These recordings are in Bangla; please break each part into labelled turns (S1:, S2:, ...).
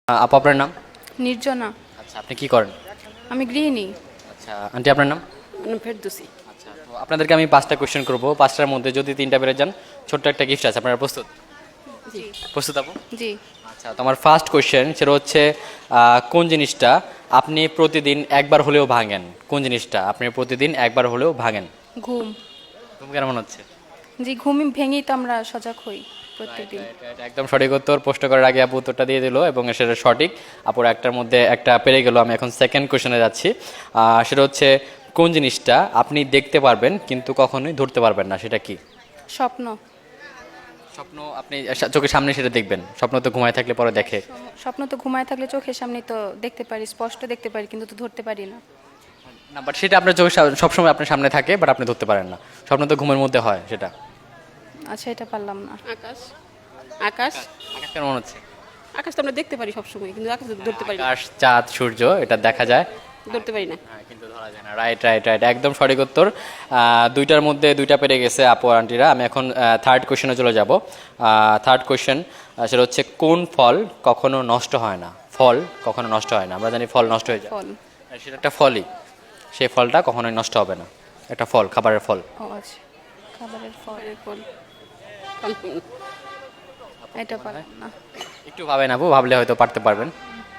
S1: আপু আপনার নাম?
S2: নির্জনা।
S1: আচ্ছা, আপনি কি করেন?
S2: আমি গৃহিণী।
S1: আচ্ছা আন্টি, আপনার নাম?
S2: ফেরদৌসী।
S1: আচ্ছা, তো আপনাদেরকে আমি 5টা কোয়েশ্চেন করবো, 5টার মধ্যে যদি 3টা পেরে যান ছোট্ট একটা গিফট আছে। আপনারা প্রস্তুত?
S2: জি।
S1: প্রস্তুত আপু?
S2: জি।
S1: আচ্ছা, তোমার ফার্স্ট কোয়েশ্চেন সেটা হচ্ছে কোন জিনিসটা আপনি প্রতিদিন একবার হলেও ভাঙেন? কোন জিনিসটা আপনি প্রতিদিন একবার হলেও ভাঙেন?
S2: ঘুম।
S1: তুমি কেন মনে হচ্ছে?
S2: জি, ঘুমই ভেঙেই তো আমরা সজাগ হই প্রত্যেকদিন।
S1: একদম সঠিক উত্তর। প্রশ্ন করার আগে আপু উত্তরটা দিয়ে দিল এবং সেটা সঠিক। আপুর একটার মধ্যে একটা পেরে গেল। আমি এখন সেকেন্ড কোয়েশ্চেনে যাচ্ছি। সেটা হচ্ছে কোন জিনিসটা আপনি দেখতে পারবেন কিন্তু কখনোই ধরতে পারবেন না, সেটা কি?
S2: স্বপ্ন।
S1: স্বপ্ন আপনি চোখের সামনে সেটা দেখবেন, স্বপ্ন তো ঘুমায় থাকলে পরে দেখে।
S2: স্বপ্ন তো ঘুমায় থাকলে চোখের সামনে তো দেখতে পারি, স্পষ্ট দেখতে পারি, কিন্তু তো ধরতে পারি না।
S1: না, বাট সেটা আপনার চোখের সবসময় আপনার সামনে থাকে, বাট আপনি ধরতে পারেন না। স্বপ্ন তো ঘুমের মধ্যে হয় সেটা।
S2: আচ্ছা, এটা পারলাম না।
S3: আকাশ। আকাশ।
S1: আকাশ কেন মনে হচ্ছে?
S3: আকাশ তো আমরা দেখতে পারি সবসময়, কিন্তু আকাশ ধরতে পারি না।
S1: আকাশ, চাঁদ, সূর্য এটা দেখা যায়,
S3: ধরতে পারি না।
S1: হ্যাঁ, কিন্তু ধরা যায় না। রাইট রাইট রাইট, একদম সঠিক উত্তর। দুইটার মধ্যে দুইটা পেরে গেছে আপু আন্টিরা। আমি এখন থার্ড কোশ্চেনে চলে যাব। থার্ড কোশ্চেন সেটা হচ্ছে কোন ফল কখনো নষ্ট হয় না? ফল কখনো নষ্ট হয় না, আমরা জানি ফল নষ্ট হয়ে যায়।
S2: ফল।
S1: সেটা একটা ফলই, সেই ফলটা কখনোই নষ্ট হবে না। একটা ফল, খাবারের ফল।
S2: ও আচ্ছা, খাবারের ফল।
S3: ফল।
S2: এটা পারলাম না।
S1: একটু ভাবেন আপু, ভাবলে হয়তো পারতে পারবেন।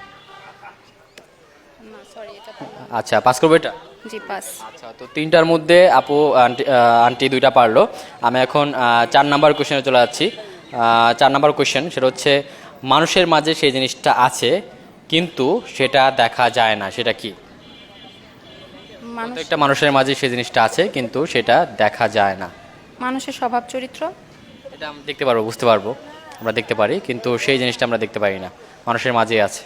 S2: না, সরি, এটা পারলাম না।
S1: আচ্ছা, পাস করবো এটা?
S2: জি, পাস।
S1: আচ্ছা, তো 3টার মধ্যে আপু আন্টি আন্টি 2টা পারলো। আমি এখন 4 নাম্বার কোশ্চেনে চলে যাচ্ছি। 4 নাম্বার কোশ্চেন সেটা হচ্ছে মানুষের মাঝে সেই জিনিসটা আছে কিন্তু সেটা দেখা যায় না, সেটা কি?
S2: মানুষ।
S1: প্রত্যেকটা মানুষের মাঝে সেই জিনিসটা আছে কিন্তু সেটা দেখা যায় না।
S2: মানুষের স্বভাব চরিত্র।
S1: এটা আমরা দেখতে পারবো, বুঝতে পারবো, আমরা দেখতে পারি, কিন্তু সেই জিনিসটা আমরা দেখতে পারি না, মানুষের মাঝেই আছে।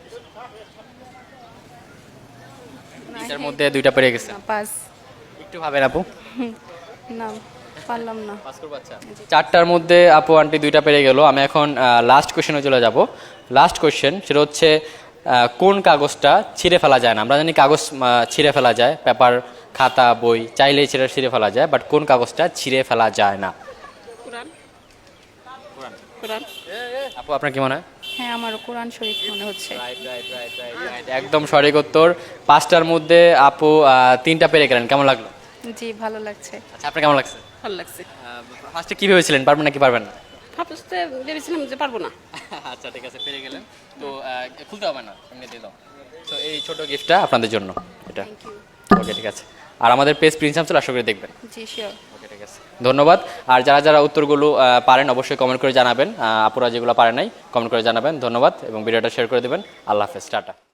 S1: এটার মধ্যে 2টা পেরে গেছে।
S2: না, পাস।
S1: একটু ভাবেন আপু।
S2: না, পারলাম না।
S1: 4টার মধ্যে আপু আন্টি 2টা পেরে গেল। আমি এখন লাস্ট কোশ্চেনে চলে যাব। লাস্ট কোশ্চেন সেটা হচ্ছে কোন কাগজটা ছিঁড়ে ফেলা যায় না? আমরা জানি কাগজ ছিঁড়ে ফেলা যায়, পেপার, খাতা, বই চাইলেই ছিঁড়ে ফেলা যায়, বাট কোন কাগজটা ছিঁড়ে ফেলা যায় না?
S3: কোরআন। কোরআন।
S1: আপু আপনার কি মনে হয়?
S2: হ্যাঁ, আমারও কোরআন শরীফ মনে হচ্ছে।
S1: একদম সঠিক উত্তর। 5টার মধ্যে আপু 3টা পেরে গেলেন, কেমন লাগলো?
S2: জি, ভালো লাগছে।
S1: আচ্ছা, আপনার কেমন লাগছে?
S3: ভালো লাগছে।
S1: ফার্স্টে কি ভেবেছিলেন, পারবেন নাকি পারবেন না?
S3: ভাবতে ভেবেছিলাম যে পারবো না।
S1: আচ্ছা ঠিক আছে, পেরে গেলেন। তো খুলতে হবে না, এমনি দিয়ে দাও। তো এই ছোট গিফটটা আপনাদের জন্য, এটা।
S2: Thank you.
S1: ওকে, ঠিক আছে। আর আমাদের পেজ প্রিন্স আমসুল আশা করি দেখবেন।
S2: জি, শিওর।
S1: ওকে, ঠিক আছে, ধন্যবাদ। আর যারা যারা উত্তরগুলো পারেন অবশ্যই কমেন্ট করে জানাবেন। আপুরা যেগুলো পারে নাই কমেন্ট করে জানাবেন। ধন্যবাদ এবং ভিডিওটা শেয়ার করে দেবেন। আল্লাহ হাফেজ, টাটা।